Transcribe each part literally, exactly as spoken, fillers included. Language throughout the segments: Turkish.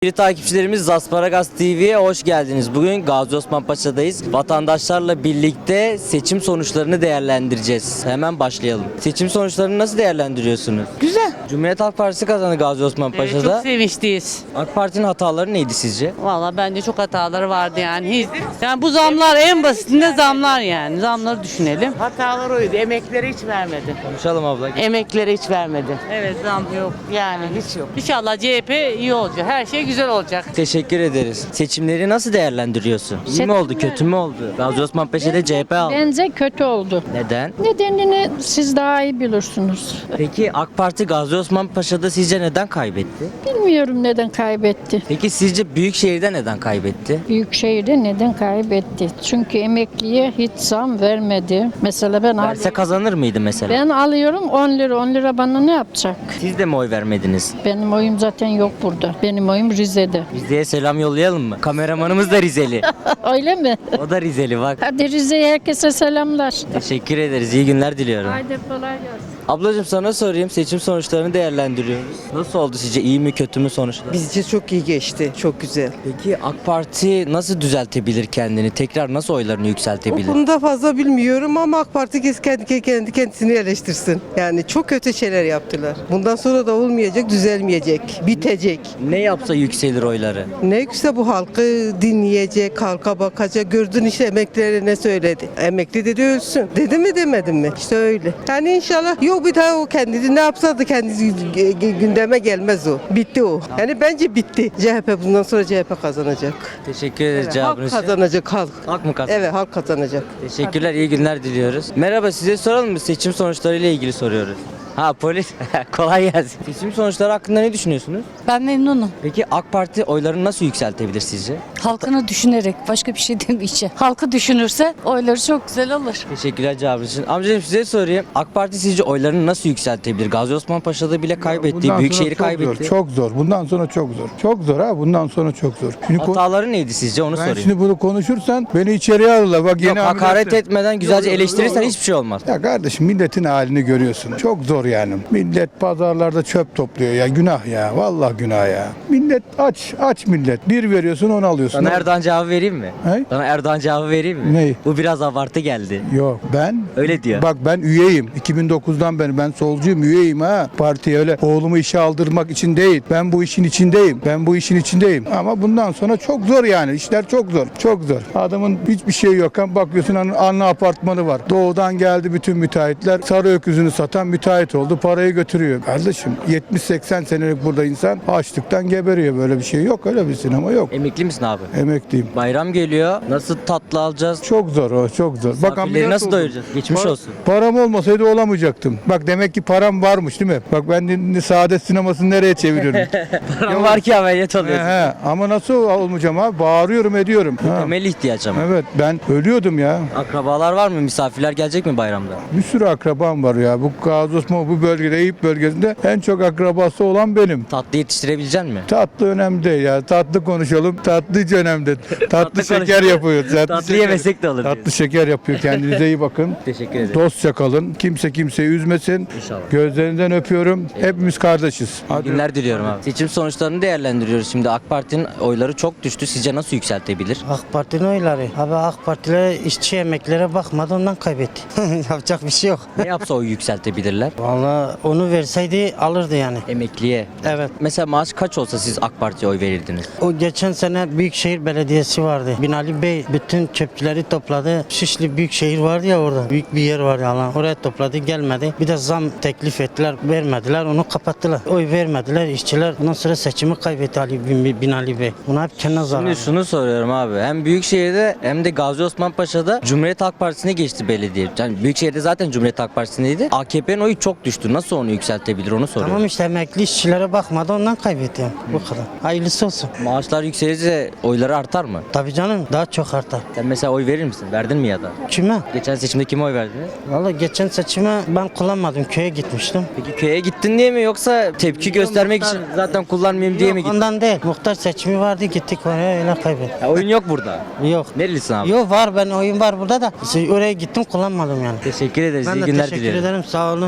Sevgili takipçilerimiz, Zasparagas T V'ye hoş geldiniz. Bugün Gazi Osman Paşa'dayız. Vatandaşlarla birlikte seçim sonuçlarını değerlendireceğiz. Hemen başlayalım. Seçim sonuçlarını nasıl değerlendiriyorsunuz? Güzel. Cumhuriyet Halk Partisi kazandı Gazi Osman Evet, Paşa'da. çok sevinçliyiz. AK Parti'nin hataları neydi sizce? Valla bence çok hataları vardı yani. Hiç, yani bu zamlar en basitinde zamlar yani. Zamları düşünelim. Hatalar oydu. Emeklere hiç vermedi. Konuşalım abla. Emeklere hiç vermedi. Evet zam yok. Yani hiç yok. İnşallah C H P iyi olacak. Her şey güzel olacak. Teşekkür ederiz. Seçimleri nasıl değerlendiriyorsun? İyi mi oldu, kötü mü oldu? Gazi Osman Paşa'da C H P aldı. Bence kötü oldu. Neden? Nedenini siz daha iyi bilirsiniz. Peki AK Parti Gazi Osman Paşa'da sizce neden kaybetti? Bilmiyorum neden kaybetti. Peki sizce Büyükşehir'de neden kaybetti? Büyükşehir'de neden kaybetti? Çünkü emekliye hiç zam vermedi. Mesela ben Verse alıyorum, kazanır mıydı mesela? ben alıyorum on lira. on lira bana ne yapacak? Siz de mi oy vermediniz? Benim oyum zaten yok burada. Benim oyum Rize'de. Rize'ye selam yollayalım mı? Kameramanımız da Rizeli. Öyle mi? O da Rizeli bak. Hadi Rize'ye herkese selamlar. Teşekkür ederiz. İyi günler diliyorum. Haydi kolay gelsin. Ablacığım sana sorayım. Seçim sonuçlarını değerlendiriyoruz. Nasıl oldu sizce? İyi mi kötü mü sonuçlar? Bizce çok iyi geçti. Çok güzel. Peki AK Parti nasıl düzeltebilir kendini? Tekrar nasıl oylarını O yükseltebilir? konuda fazla bilmiyorum ama AK Parti kes- kendi, kendi kendisini eleştirsin. Yani çok kötü şeyler yaptılar. Bundan sonra da olmayacak, düzelmeyecek, bitecek. Ne yapsa yükselir oyları? Ne yükse bu halkı dinleyecek, halka bakacak. Gördün işte emeklileri ne söyledi. Emekli dedi ölsün. Dedi mi demedin mi? İşte öyle. Yani inşallah yok bir daha o kendisi ne yapsa da kendisi gündeme gelmez o. Bitti o. Yani bence bitti. C H P bundan sonra C H P kazanacak. Teşekkür ederiz Evet, cevabınız halk için. kazanacak halk. Halk mı kazandı? Evet halk kazanacak. Teşekkürler, iyi günler diliyoruz. Merhaba, size soralım mı? Seçim sonuçlarıyla ilgili soruyoruz. Ha polis, kolay gelsin. Seçim sonuçları hakkında ne düşünüyorsunuz? Ben memnunum. Peki AK Parti oylarını nasıl yükseltebilir sizce? Halkını düşünerek, başka bir şey demeyeceğim. Halkı düşünürse oyları çok güzel olur. Teşekkürler cevabınız için. Amcacığım size sorayım. AK Parti sizce oylarını nasıl yükseltebilir? Gazi Osman Paşa'da bile kaybetti, Bundan Büyükşehir'i sonra çok kaybetti. Zor, çok zor. Bundan sonra çok zor. Çok zor ha. Bundan sonra çok zor. Şimdi ko- Hataları neydi sizce? Onu ben sorayım. şimdi bunu konuşursan beni içeriye alırlar. Bak Yok, yeni hakaret ameliyatlı- etmeden güzelce Yok, yok, eleştirirsen yok, yok. hiçbir şey olmaz. Ya kardeşim milletin halini görüyorsun. Çok zor yani. Millet pazarlarda çöp topluyor ya. Günah ya. Vallahi günah ya. Millet aç. Aç millet. Bir veriyorsun onu alıyorsun. Sana Erdoğan cevabı vereyim mi? He? Sana Erdoğan cevabı vereyim mi? Ney? Bu biraz abartı geldi. Yok ben Öyle diyor. Bak ben üyeyim. iki bin dokuzdan beri ben solcuyum, üyeyim ha. Partiye öyle oğlumu işe aldırmak için değil. Ben bu işin içindeyim. Ben bu işin içindeyim. Ama bundan sonra çok zor yani. İşler çok zor. Çok zor. Adamın hiçbir şeyi yok. Bakıyorsun anne, anne apartmanı var. Doğudan geldi bütün müteahhitler. Sarı öküzünü satan müteahhit oldu. Parayı götürüyor. Kardeşim yetmiş seksen senelik burada insan açlıktan geberiyor. Böyle bir şey yok. Öyle bir sinema yok. Emekli misin abi? Emekliyim. Bayram geliyor. Nasıl tatlı alacağız? Çok zor o. Çok zor. Bak Misafirleri ameliyat nasıl oldum. doyuracağız? Geçmiş Pa- olsun. Param olmasaydı olamayacaktım. Bak demek ki param varmış değil mi? Bak ben de- de Saadet sinemasını nereye çeviriyorum? Param var ki ameliyat he, oluyorsun. he. Ama nasıl olmayacağım abi? Bağırıyorum ediyorum. Ha. Temel ihtiyaç ama. Evet ben ölüyordum ya. Akrabalar var mı? Misafirler gelecek mi bayramda? Bir sürü akrabam var ya. Bu Gazi Osman bu bölgede Eyüp bölgesinde en çok akrabası olan benim. Tatlı yetiştirebilecek misin? Tatlı önemli değil ya. Tatlı konuşalım. Tatlı hiç önemli. Tatlı, Tatlı şeker konuşalım. yapıyor. Tatlı, Tatlı şeker- yemesek de olur Tatlı diyorsun. şeker yapıyor. Kendinize iyi bakın. Teşekkür ederim. Dostça kalın. Kimse kimseyi üzmesin. İnşallah. Gözlerinden öpüyorum. Hepimiz kardeşiz. İyi Hadi. günler diliyorum abi. Seçim sonuçlarını değerlendiriyoruz. Şimdi AK Parti'nin oyları çok düştü. Sizce nasıl yükseltebilir? AK Parti'nin oyları. Abi AK Partiler işçi emeklilere bakmadı ondan kaybetti. Yapacak bir şey yok. Ne yapsa oy yükseltebilirler? Vallahi onu verseydi alırdı yani. Emekliye. Evet. Mesela maaş kaç olsa siz AK Parti'ye oy verirdiniz? O geçen sene Büyükşehir Belediyesi vardı. Binali Bey bütün çöpçüleri topladı. Şişli Büyükşehir vardı ya orada. Büyük bir yer var ya lan. Oraya topladı gelmedi. Bir de zam teklif ettiler. Vermediler. Onu kapattılar. Oy vermediler. İşçiler ondan sonra seçimi kaybetti Ali Bin- Binali Bey. Buna hep kendine zarar. Şimdi şunu soruyorum abi. Hem Büyükşehir'de hem de Gazi Osman Paşa'da Cumhuriyet Halk Partisi'ne geçti belediye. Yani Büyükşehir'de zaten Cumhuriyet Halk Partisi'ndeydi. A K P'nin oyu çok düştü. Nasıl onu yükseltebilir onu soruyorum. Tamam işte emekli işçilere bakmadı ondan kaybetti. Bu kadar. Hayırlısı olsun. Maaşlar yükselirse oyları artar mı? Tabii canım daha çok artar. Sen mesela oy verir misin? Verdin mi ya da? Kime? Geçen seçimde kime oy verdiniz? Valla geçen seçime ben kullanmadım. Köye gitmiştim. Peki köye gittin diye mi yoksa tepki göstermek için zaten kullanmayayım diye Yok, mi gittin? ondan değil. Muhtar seçimi vardı gittik oraya öyle kaybettik. Ya oyun yok burada. Yok. Nerelisin abi? Yok var ben oyun var burada da. İşte oraya gittim kullanmadım yani. Teşekkür ederiz. Ben İyi de günler teşekkür diliyorum. ederim sağ olun. Seçim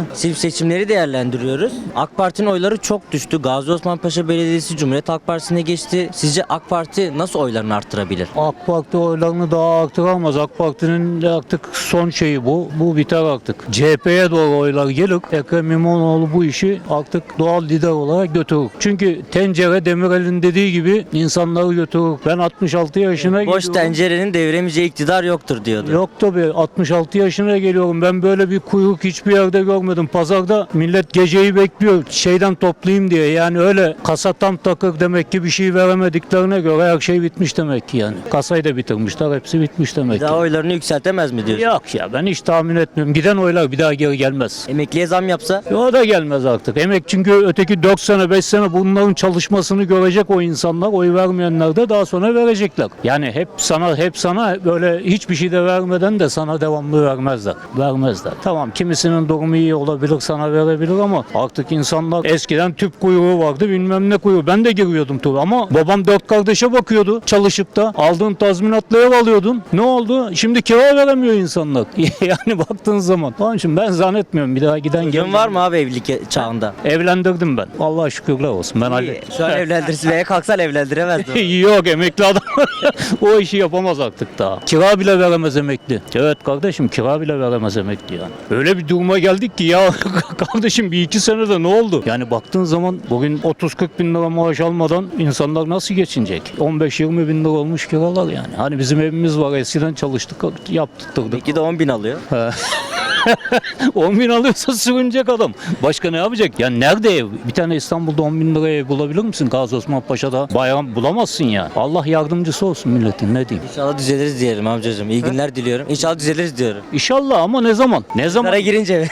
seçimleri değerlendiriyoruz. AK Parti'nin oyları çok düştü. Gazi Osman Paşa Belediyesi Cumhuriyet Halk Partisi'ne geçti. Sizce AK Parti nasıl oylarını arttırabilir? AK Parti oylarını daha arttıramaz. AK Parti'nin de artık son şeyi bu. Bu biter artık. C H P'ye doğru oylar gelir. Ekrem İmamoğlu bu işi artık doğal lider olarak götürür. Çünkü tencere Demirel'in dediği gibi insanları götürür. Ben altmış altı yaşına Boş geliyorum. tencerenin deviremeyeceği iktidar yoktur diyordu. Yok tabii, altmış altı yaşına geliyorum. Ben böyle bir kuyruk hiçbir yerde görmedim. Pazarda millet geceyi bekliyor şeyden toplayayım diye. Yani öyle kasa tam takır demek ki bir şey veremediklerine göre her şey bitmiş demek ki yani. Kasayı da bitirmişler, hepsi bitmiş demek Bir ki. daha oylarını yükseltemez mi diyorsun? Yok ya, ben hiç tahmin etmiyorum. Giden oylar bir daha geri gelmez. Emekliye zam yapsa? O da gelmez artık. Emek çünkü öteki dört sene beş sene bunların çalışmasını görecek o insanlar. Oy vermeyenler de daha sonra verecekler. Yani hep sana hep sana böyle hiçbir şey de vermeden de sana devamlı vermezler. Vermezler. Tamam, kimisinin durumu iyi olabilir, sana verebilir ama artık insanlar eskiden tüp kuyruğu vardı, bilmem ne kuyruğu. Ben de giriyordum tabii ama babam dört kardeşe bakıyordu çalışıp da. Aldığın tazminatla ev alıyordun. Ne oldu? Şimdi kira veremiyor insanlar. Yani baktığın zaman. Onun için ben zannetmiyorum bir daha giden Çocuğun var mı abi evlilik çağında? Evlendirdim ben. Allah'a şükürler olsun. Ben hallettim. Şu an evlendirsin veya kalksan evlendiremezdi. Yok, emekli adam o işi yapamaz artık daha. Kira bile veremez emekli. Evet kardeşim, kira bile veremez emekli yani. Öyle bir duruma geldik ki ya kardeşim bir iki senede ne oldu? Yani baktığın zaman bugün otuz kırk bin lira maaş almadan insanlar nasıl geçinecek? on beş yirmi bin lira olmuş kiralar yani. Hani bizim evimiz var, eskiden çalıştık yaptırdık. Peki de on bin alıyor. on bin alıyorsa sürünecek adam. Başka ne yapacak? Ya nerede ev? Bir tane İstanbul'da on bin liraya ev bulabilir misin? Gazi Osman Paşa'da bayram bulamazsın ya. Allah yardımcısı olsun milletin, ne diyeyim. İnşallah düzeliriz diyelim amcacığım. İyi günler diliyorum. İnşallah düzeliriz diyorum. İnşallah ama ne zaman? Ne zaman? Sara girince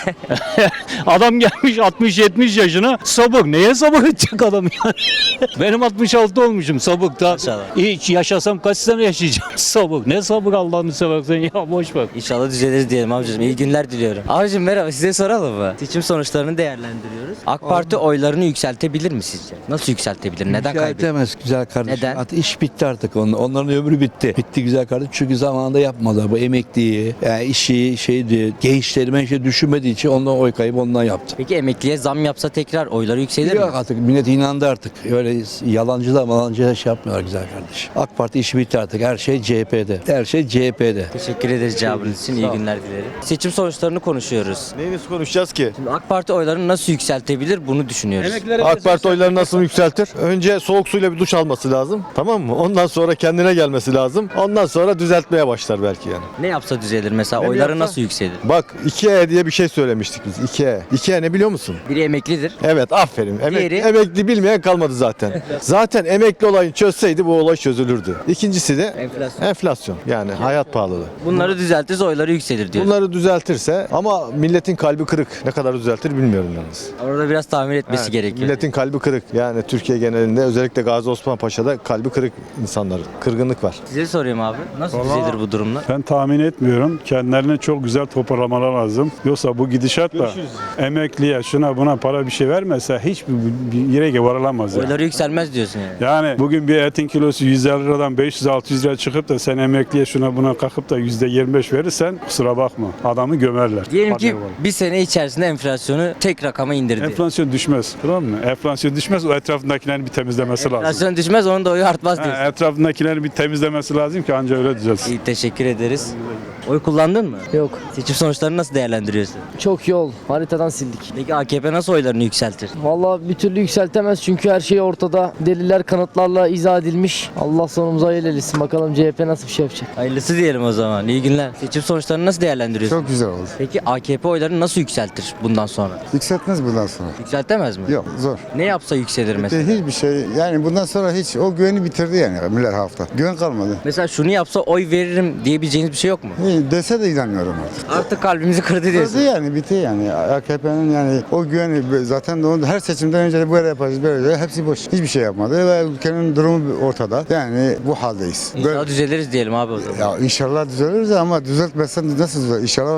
Adam gelmiş altmış yetmiş yaşına, sabır. Neye sabır edecek adam yani? Benim altmış altı olmuşum, sabır. Da, İnşallah. hiç yaşasam kaç sene yaşayacağım? Sabır. Ne sabır Allah'ını seversen ya, boş ver. İnşallah düzeliriz diyelim amcacığım. İyi günler diliyorum. Abicim merhaba, size soralım mı? Seçim sonuçlarını değerlendiriyoruz. AK Parti oylarını yükseltebilir mi sizce? Nasıl yükseltebilir? Neden kaybediyor? Yükseltemez güzel kardeşim. Neden? Artık iş bitti artık. Onun, onların ömrü bitti. Bitti güzel kardeşim. Çünkü zamanında yapmadılar. Bu emekliyi, yani işi, şeydi, gençleri ben şey düşünmediği için ondan oy kaybı ondan yaptı. Peki emekliye zam yapsa tekrar oyları yükselir Yok mi? artık millet inandı artık. Öyle yalancılar malancılar şey yapmıyorlar güzel kardeşim. AK Parti işi bitti artık. Her şey C H P'de. Her şey C H P'de. Teşekkür ederiz cevabınız için. İyi günler dilerim. Seçim sonuçlarını konuşuyoruz. Neyimiz konuşacağız ki? Şimdi AK Parti oylarını nasıl yükseltebilir bunu düşünüyoruz. AK Parti oylarını nasıl yükseltir? Önce soğuk suyla bir duş alması lazım. Tamam mı? Ondan sonra kendine gelmesi lazım. Ondan sonra düzeltmeye başlar belki yani. Ne yapsa düzelir mesela? Ne Oyları yapsa? nasıl yükselir? Bak iki E diye bir şey söylemiştik biz. iki E. iki E ne biliyor musun? Biri emeklidir. Evet, aferin. Emek, Diğeri? Emekli bilmeyen kalmadı zaten. Zaten emekli olayını çözseydi bu olay çözülürdü. İkincisi de Enflasyon. enflasyon. Yani hayat pahalılığı. Bunları düzeltirse oyları yükselir diyor. Bunları düzeltirse ama milletin kalbi kırık. Ne kadar düzeltir bilmiyorum yalnız. Orada biraz tahmin etmesi Evet, gerekiyor. Milletin kalbi kırık. Yani Türkiye genelinde özellikle Gazi Osman Paşa'da kalbi kırık insanlar. Kırgınlık var. Size sorayım abi. Nasıl düzelir bu durumlar? Ben tahmin etmiyorum. Kendilerine çok güzel toparlamalar lazım. Yoksa bu gidişatla emekliye şuna buna para bir şey vermese hiçbir bir yere varılamaz. Yani. Oyları yükselmez diyorsun yani. Yani bugün bir etin kilosu yüz elli liradan beş yüz altı yüz lira çıkıp da sen emekliye şuna buna kalkıp da yüzde yirmi beş verirsen kusura bakma. Adamı gömerler. Diyelim ki Paraya var. bir sene içerisinde enflasyonu tek rakama indirdi. Enflasyon düşmez. Tamam mı? Enflasyon düşmez. O etrafındakilerin bir temizlemesi lazım. Enflasyon düşmez, onun da oyu artmaz diyorsun. Ha, etrafındakilerin bir temizlemesi lazım ki anca öyle düzelsin. İyi, teşekkür ederiz. Oy kullandın mı? Yok. Seçim sonuçlarını nasıl değerlendiriyorsun? Çok yol. Haritadan sildik. Peki A K P nasıl oylarını yükseltir? Vallahi bir türlü yükseltemez çünkü her şey ortada. Deliller kanıtlarla izah edilmiş. Allah sonumuza hayır eylesin. Bakalım C H P nasıl bir şey yapacak. Hayırlısı diyelim o zaman. İyi günler. Seçim sonuçlarını nasıl değerlendiriyorsun? Çok güzel oldu. Peki A K P oylarını nasıl yükseltir bundan sonra? Yükseltmez bundan sonra. Yükseltemez mi? Yok, zor. Ne yapsa yükselir mesela? Hiçbir şey yani bundan sonra hiç o güveni bitirdi yani millet hafta. Güven kalmadı. Mesela şunu yapsa oy veririm diyebileceğiniz bir şey yok mu? İyi, dese de inanmıyorum artık. Artık kalbimizi kırdı Bitti diyorsun. yani bitti yani. A K P'nin yani o güveni zaten de onu her seçimden önce de böyle yapacağız böyle hepsi boş. Hiçbir şey yapmadı ve ülkenin durumu ortada. Yani bu haldeyiz. İnşallah düzeliriz diyelim abi o zaman. Ya inşallah düzeliriz ama düzeltmezsen nasıl düzelir? İnşallah olmuyor işte.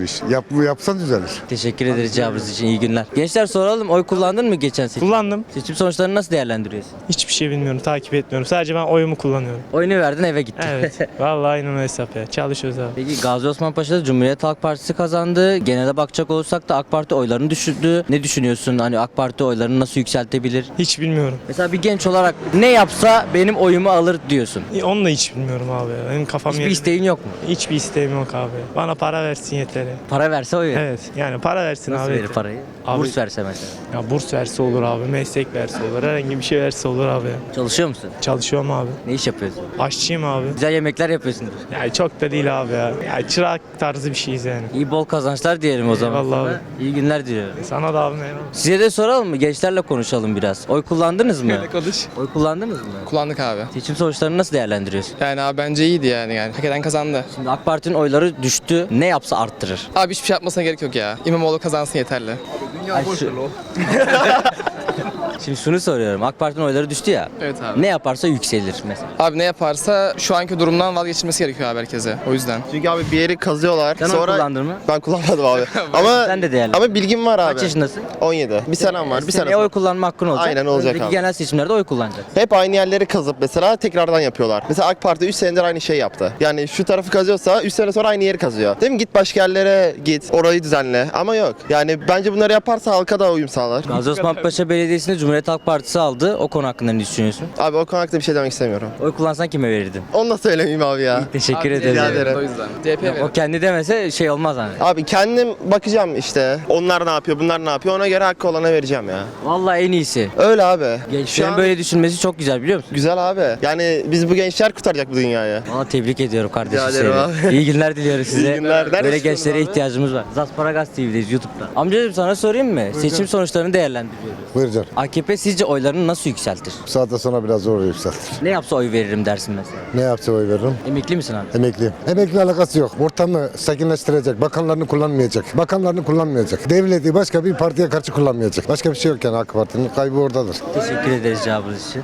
iş. Yap, yapsan düzelir. Teşekkür ederiz cevabınız için. İyi günler. Gençler soralım. Oy kullandın mı geçen seçim? Kullandım. Seçim sonuçlarını nasıl değerlendiriyorsun? Hiçbir şey bilmiyorum, takip etmiyorum. Sadece ben oyumu kullanıyorum. Oyunu verdin eve gittin. Evet. Vallahi aynen o hesap ya. Çalışıyoruz abi. Peki Gazi Osman Paşa'da Cumhuriyet Halk Partisi kazandı. Genele bakacak olursak da AK Parti oylarını düşürdü. Ne düşünüyorsun? Hani AK Parti oylarını nasıl yükseltebilir? Hiç bilmiyorum. Mesela bir genç olarak ne yapsa benim oyumu alır diyorsun. Onu da hiç bilmiyorum abi. ya. Benim kafam Hiçbir yerinde. isteğin yok mu? Hiçbir isteğim yok abi. Bana para versin yeterli. Para verse oy verir. Evet. Yani para versin Nasıl abi. verir yeter. parayı? Abi- Burs verse mesela. Ya burs verse olur abi. Meslek verse olur. Herhangi bir şey verse olur abi. Çalışıyor musun? Çalışıyorum abi. Ne iş yapıyorsun? Aşçıyım abi. Güzel yemekler yapıyorsundur. Yani çok da değil abi ya. Ya çırak tarzı bir şeyiz yani. İyi bol kazançlar diyelim o zaman. Eyvallah sana. abi. İyi günler diliyorum. Sana da abi eyvallah. Size de soralım mı? Gençlerle konuşalım biraz. Oy kullandınız mı? Konuş. Oy kullandınız mı? Kullandık abi. Seçim sonuçlarını nasıl değerlendiriyorsun? Yani abi bence iyiydi yani. yani. Hak eden kazandı. Şimdi AK Parti'nin oyları düştü. Ne yapsa arttırır. Abi hiçbir şey yapmasına gerek yok ya. İmamoğlu kazansın yeterli. Ay, şu- Şimdi şunu soruyorum. AK Parti'nin oyları düştü ya. Evet abi. Ne yaparsa yükselir mesela. Abi ne yaparsa şu anki durumdan vazgeçilmesi gerekiyor abi herkese. O yüzden. Çünkü abi bir yeri kazıyorlar. Sen oy kullandın mı? Ben kullanmadım abi. ama Sen de değerli. ama bilgim var abi. Kaç yaşındasın? on yedi. Bir senem var. Bir sene. Seneye oy kullanma hakkın olacak. Aynen olacak Önümüzdeki abi. genel seçimlerde oy kullanacaksın. Hep aynı yerleri kazıp mesela tekrardan yapıyorlar. Mesela AK Parti üç senedir aynı şey yaptı. Yani şu tarafı kazıyorsa üç sene sonra aynı yeri kazıyor. Değil mi? Git başka yerlere git. Orayı düzenle. Ama yok. Yani bence bunları yaparsa halka da uyum sağlar. Gazi Osman Paşa Belediyesi'nde Cumhuriyet Halk Partisi aldı. O konu hakkında ne düşünüyorsun? Abi o konu hakkında bir şey demek istemiyorum. Oy kullansan kime verirdin? Onu da söylemeyeyim abi ya. Teşekkür Abi, ederim. rica ederim. O yüzden. C H P O kendi demese şey olmaz hani. Abi kendim bakacağım işte. Onlar ne yapıyor, bunlar ne yapıyor. Ona göre hakkı olana vereceğim ya. Vallahi en iyisi. Öyle abi. Gençlerin Şu an- böyle düşünmesi çok güzel biliyor musun? Güzel abi. Yani biz bu gençler kurtaracak bu dünyayı. Valla tebrik ediyorum kardeşim Rica ederim seni. abi. İyi günler diliyoruz size. İyi günler. Nerede Böyle çıkıyorsun gençlere abi? ihtiyacımız var. Zasparagas T V'deyiz YouTube'da. Amcacığım sana sorayım mı? Seçim sonuçlarını değerlendiriyoruz. Buyurcan. A K P sizce oylarını nasıl yükseltir? Bu saatten sonra biraz zor yükseltir. Ne yapsa oy veririm dersin mesela. Ne yapsa oy veririm? Emekli misin abi? Emekliyim. Emekli alakası yok. Ortamı sakinleştirecek. Bakanlarını kullanmayacak. Bakanlarını kullanmayacak. Devleti başka bir partiye karşı kullanmayacak. Başka bir şey yok yani AK Parti'nin kaybı oradadır. Teşekkür ederiz cevabınız için.